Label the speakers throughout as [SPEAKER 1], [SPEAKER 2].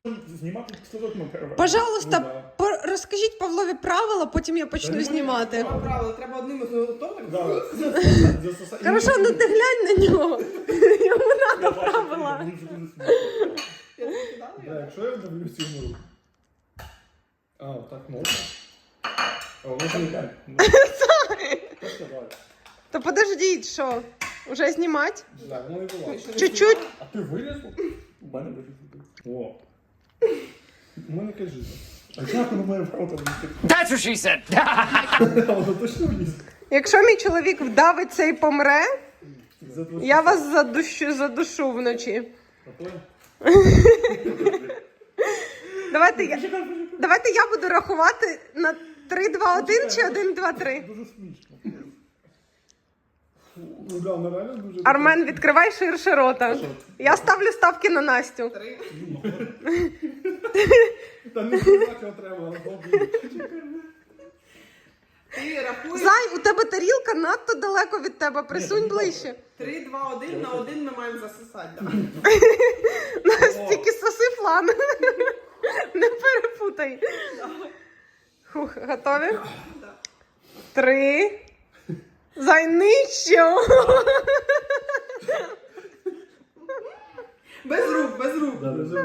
[SPEAKER 1] Знімати кислоток на
[SPEAKER 2] Пожалуйста, розкажіть Павлові правила, потім я почну знімати.
[SPEAKER 3] Правило, треба одним готовим.
[SPEAKER 2] Хорошо, ну ти глянь на нього. Йому треба правила.
[SPEAKER 1] Якщо я дивлюсь йому руку. А, так можна? А воно ж не так.
[SPEAKER 2] То подождіть, що? Уже знімати?
[SPEAKER 1] Так, воно і було.
[SPEAKER 2] Чуть-чуть.
[SPEAKER 1] А ти вилізла? У мене вилізла. О. У мене кажи. А як воно має право там вилізти?
[SPEAKER 4] That's what she said.
[SPEAKER 1] Воно точно вилізла.
[SPEAKER 2] Якщо мій чоловік вдавиться і помре, я вас задушу вночі. Давайте я буду рахувати на 3, 2, 1 чи 1, 2, 3.
[SPEAKER 1] Дуже смішно. Ну да, воно реально дуже...
[SPEAKER 2] Армен, відкривай ширше рота. Я ставлю ставки на Настю.
[SPEAKER 3] 3.
[SPEAKER 1] Та не так його треба,
[SPEAKER 3] Ти рахуєш.
[SPEAKER 2] Зай, у тебе тарілка надто далеко від тебе. Присунь ближче.
[SPEAKER 3] 3, 2, 1 на 1 ми маємо засосати.
[SPEAKER 2] Настільки соси флан. Не перепутай. Хух, готові? 3. Зай, нижче.
[SPEAKER 3] Без рук, без рук.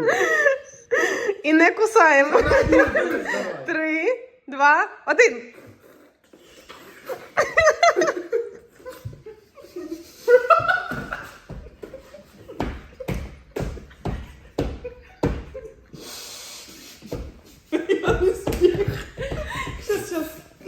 [SPEAKER 2] І не кусаємо. 3, 2, 1.
[SPEAKER 3] Я не сміх. Щас.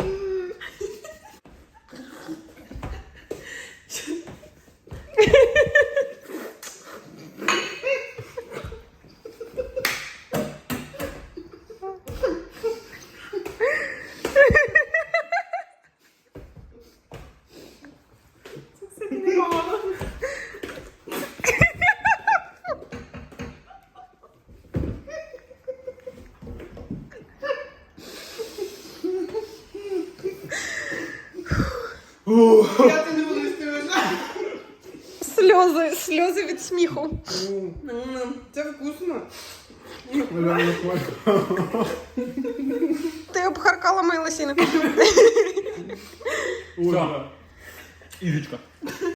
[SPEAKER 3] Я ти не буду стивити.
[SPEAKER 2] Сльози від сміху.
[SPEAKER 3] Це вкусно.
[SPEAKER 2] Ти обхаркала мої лосіни.
[SPEAKER 1] Все. Ірочка.